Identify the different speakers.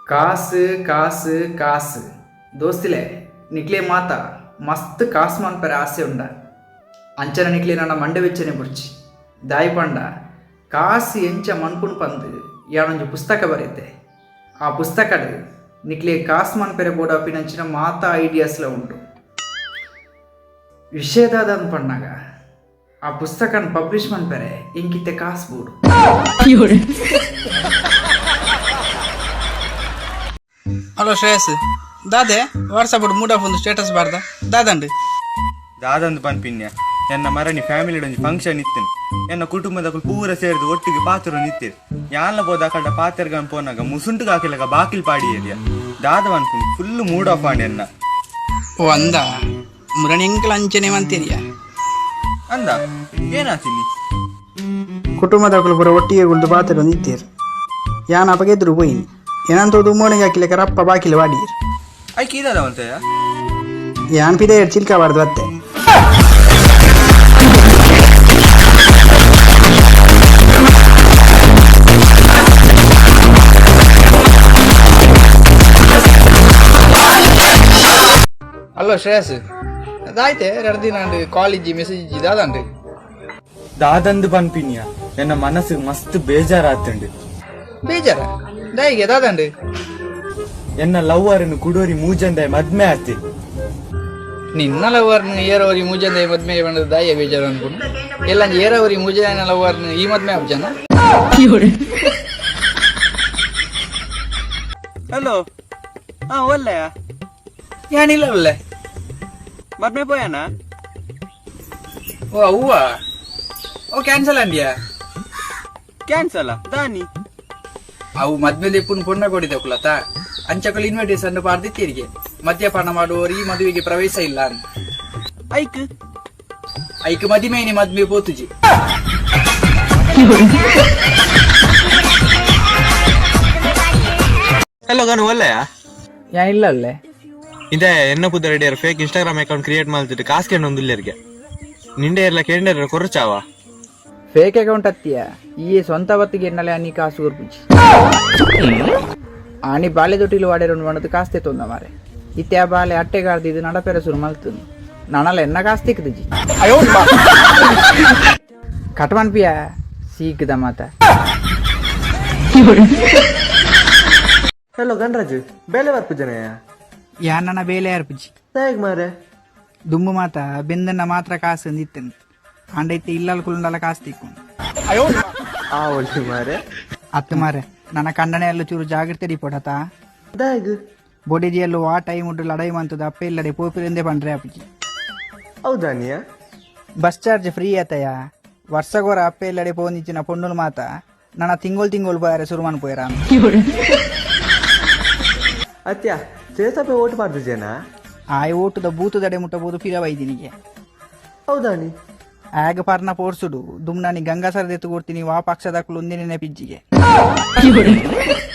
Speaker 1: ಕಾಸು ಕಾಸು ಕಾಸು ದೋಸ್ತಿಲೆ ನಿಕ್ಲೆ ಮಾತ ಮಸ್ತ್ ಕಾಸು ಮನ್ಪರೆ ಆಸೆ ಉಂಡ ಅಂಚನ ನಿಕ್ಲೆ ನನ್ನ ಮಂಡೆ ವೆಚ್ಚನೆ ಬುಡ್ಚಿ ದಾಯಿ ಪಂಡ ಕಾಸು ಎಂಚ ಮನ್ಪುಣ್ ಪಂದು ಯಾನೊಂಜಿ ಪುಸ್ತಕ ಬರೆಯುತ್ತೆ ಆ ಪುಸ್ತಕಡ್ ನಿಕ್ಲೆ ಕಾಸು ಮನ್ಪೆರೆ ಬೋಡ ಪಿನಂಚಿನ ಮಾತ ಐಡಿಯಾಸ್ಲ ಉಂಟು ವಿಷಯದಾದ ಪಣ್ಣಾಗ ಆ ಪುಸ್ತಕನ ಪಬ್ಲಿಷ್ ಮನ್ಪೆರೆ ಇಂಕಿತ್ತೆ ಕಾಸು ಬೋಡು.
Speaker 2: ಹಲೋ ಶ್ರೇಯಸ್ ದಾದೆ ವಾಟ್ಸಪ್ ಮೂಡಾಫ್ ಒಂದು ಸ್ಟೇಟಸ್ ಬಾರ್ದ ದಾದಂಡು
Speaker 3: ದಾದಂದು ಪನ್ಪಿನ್ಯ ಎನ್ನ ಮರಣಿ ಫ್ಯಾಮಿಲಿ ಒಂಜಿ ಫಂಕ್ಷನ್ ಇತ್ತೇನೆ ಎನ್ನ ಕುಟುಂಬದ ಪೂರ ಸೇರಿದು ಒಟ್ಟಿಗೆ ಪಾತ್ರ ನಿಂತಿರು ಯಾನ್ಲ ಬೋದ ಕಡ್ಡ ಪಾತ್ರಗನ್ ಪೋನಾಗ ಮುಸುಂಟು ಹಾಕಿಲಾಗ ಬಾಕಿಲ್ ಪಾಡಿ ಏರಿಯ ದಾದ ಅನ್ಕೊಂಡು ಫುಲ್ ಮೂಡ್ ಆಫ್ ಆಡಿ ಎನ್ನ
Speaker 2: ಓ ಅಂದ ಮುರಣಿ ಎಂಕಲ್ ಅಂಚನೆ ಮಂತೀರಿಯ
Speaker 3: ಅಂದ ಏನಾತೀನಿ
Speaker 2: ಕುಟುಂಬದ ಪೂರ ಒಟ್ಟಿಗೆ ಕುಳಿತು ಪಾತ್ರ ನಿಂತೀರು ಯಾನ್ ಅಪಗೆದ್ರು ಹೋಯಿನಿ ಏನಂತದ್ದು ಮೋಣಿಗೆ ಹಾಕಿಲಕ ರಪ್ಪ ಬಾಕಿಲು ವಾಡೀರು
Speaker 3: ಐಕೆ ಇದಾದವಂತಯ್ಯ
Speaker 2: ಯಾನ್ ಪಿದೆ ಚಿಲ್ಕಬಾರ್ದು ಅತ್ತೆ ಹಲೋ ಶ್ರೇಯಸ್ ಅದಾಯ್ತೆ 2 ದಿನ ಕಾಲೇಜಿ ಮೆಸೇಜ್ ದಾದಂಡು
Speaker 3: ದಾದಂದು ಪನ್ಪಿನ್ಯ ಎನ್ನ ಮನಸ್ಸಿಗೆ ಮಸ್ತ್ ಬೇಜಾರಾತಂಡು
Speaker 2: ಬೇಜಾರ ದಾಯಿಗೆ ದಾದಂಡು
Speaker 3: ಎನ್ನ ಲವ್ವರನ್ನು ಕುಡೋರಿ ಮೂಜಂದಾಯ ಮದ್ಮೆ ಆತಿ
Speaker 2: ನಿನ್ನ ಲವರ್ನ ಏರವರಿ ಮೂಜಂದ ಮದ್ಮೆ ಬಂದ ದಾಯ ಬೇಜಾರು ಅನ್ಕೊಂಡು ಎಲ್ಲ ಏರವರಿ ಮೂಜನ ಲವರ್ನ ಈ ಮದ್ಮೆ ಜನ
Speaker 3: ಹಲೋ ಹಾ ಒಳ್ಳೆಯ
Speaker 2: ಏನಿಲ್ಲ ಒಳ್ಳೆ
Speaker 3: ಮದ್ಮೆ ಪೋಯನ
Speaker 2: ಓ ಹೂವ ಓ ಕ್ಯಾನ್ಸಲ್ ಅಂದ್ಯಾ
Speaker 3: ಕ್ಯಾನ್ಸಲ್ ದಾನಿ
Speaker 2: ಅವು ಮದ್ಮೆ ಪುಣ್ಯ ಪುಣ್ಯ ಕೊಡಿದೆ ಕುಲತ ಅಂಚಕಲ್ ಇನ್ವಿಟೇಷನ್ ಪಾರ್ದಿತ್ತೀರಿಗೆ ಮದ್ಯಪಾನ ಮಾಡುವವರು ಈ ಮದುವೆಗೆ ಪ್ರವೇಶ ಇಲ್ಲ ಅಂತ
Speaker 3: ಐಕ್
Speaker 2: ಐಕ್ ಮದಿಮೇನಿ ಮದ್ಮೆ ಪೋತುಜಿ
Speaker 4: ಹಲೋ ಗನು ಒಳ್ಳೆಯ
Speaker 2: ಯಾ ಇಲ್ಲ ಅಲ್ಲೇ
Speaker 4: ಇದೇ ಎನ್ನ ಪುದ ರೆಡಿಯರ್ ಫೇಕ್ ಇನ್ಸ್ಟಾಗ್ರಾಮ್ ಅಕೌಂಟ್ ಕ್ರಿಯೇಟ್ ಮಾಡ್ತಿಟ್ಟು ಕಾಸು ಕೇಳೊಂದು ಇಲ್ಲರಿಗೆ ನಿಂಡೆ ಎಲ್ಲ ಕೇಂದ್ರ ಕೊರಚಾವ
Speaker 2: ಫೇಕ್ ಅಕೌಂಟ್ ಹತ್ತಿಯ ಈ ಸ್ವಂತ ಬತ್ತಿಗೆ ಎನ್ನಲೆ ಅನ್ನಿ ಕಾಸು ಉರ್ಪುಜಿ ಆನಿ ಬಾಲೆ ದೊಟ್ಟಿಲು ವಾಡೇರು ಮಾಡೋದು ಕಾಸ್ತೆ ತೊಂದ ಮಾರೆ ಇತ್ಯಾ ಬಾಲೆ ಅಟ್ಟೆಗಾರ್ದು ಇದು ನಡಪೆರ ಸುರು ಮಲ್ತು ನನಲ್ಲ ಎನ್ನ ಕಾಸು ತಿಕ್ಕದಿಜಿ ಕಟ್ಮನ್ ಪಿಯ ಸೀಕ್ದ ಮಾತ
Speaker 3: ಹಲೋ ಗಣರಾಜ್ ಬೇಲೆ ಬರ್ಪು ಜನ
Speaker 2: ಯಾ ನನ್ನ ಬೇಲೆ ಅರ್ಪುಜಿ
Speaker 3: ಹೇಗ್ ಮಾರೆ
Speaker 2: ದುಮ್ಮು ಮಾತ ಬೆಂದನ್ನ ಮಾತ್ರ ಕಾಸು ಅಂದಿತ್ತೇನೆ ಅಂಡೈತೆ ಇಲ್ಲಲ್ ಕುಲ್ಲಂಡಲ ಕಾಸು ತಿಕ್ಕೊಂಡು
Speaker 3: ಆ ಒಳ್ಳೆ ಮಾರೆ
Speaker 2: ಅತ್ತು ಮಾರೆ ನನ್ನ ಕಣ್ಣನೆಯಲ್ಲೂ ಚೂರು ಜಾಗ್ರತೆ ರಿಪೋರ್ಟ್ ಆತಾ
Speaker 3: ದಾಗ್
Speaker 2: ಬೊಡಿಜಿಯಲ್ಲೂ ಆ ಟೈಮ್ ಉಂಟು ಲಡೈ ಮಂತದ ಅಪ್ಪ ಇಲ್ಲದೆ ಪೋಪಿರಿಂದೆ ಪಂಡ್ರೆ ಅಪ್ಪಜಿ
Speaker 3: ಹೌದಾನಿಯ
Speaker 2: ಬಸ್ ಚಾರ್ಜ್ ಫ್ರೀ ಆತಯ್ಯ ವರ್ಷಗೋರ ಅಪ್ಪ ಇಲ್ಲಡೆ ಪೋನಿಚ್ಚಿನ ಪೊಣ್ಣುಲ್ ಮಾತ ನನ್ನ ತಿಂಗಳು ಬಾರೆ ಸುರುಮನ್ ಪೋಯರ
Speaker 3: ಅತ್ಯ ಸೇಸಪೆ ಓಟ್ ಮಾಡ್ದು ಜನ
Speaker 2: ಆಯ್ ಓಟದ ಬೂತದಡೆ ಮುಟ್ಟಬಹುದು ಫಿರ ವೈದಿನಿಗೆ
Speaker 3: ಹೌದಾನಿ
Speaker 2: ಆಗ ಪರ್ನ ಪೋರ್ಸುಡು ದುಮ್ನಾನಿ ಗಂಗಾಸರದೆತ್ತು ಕೊಡ್ತೀನಿ ವಾ ಪಕ್ಷದ ಒಂದಿನ ಪಿಜ್ಜಿಗೆ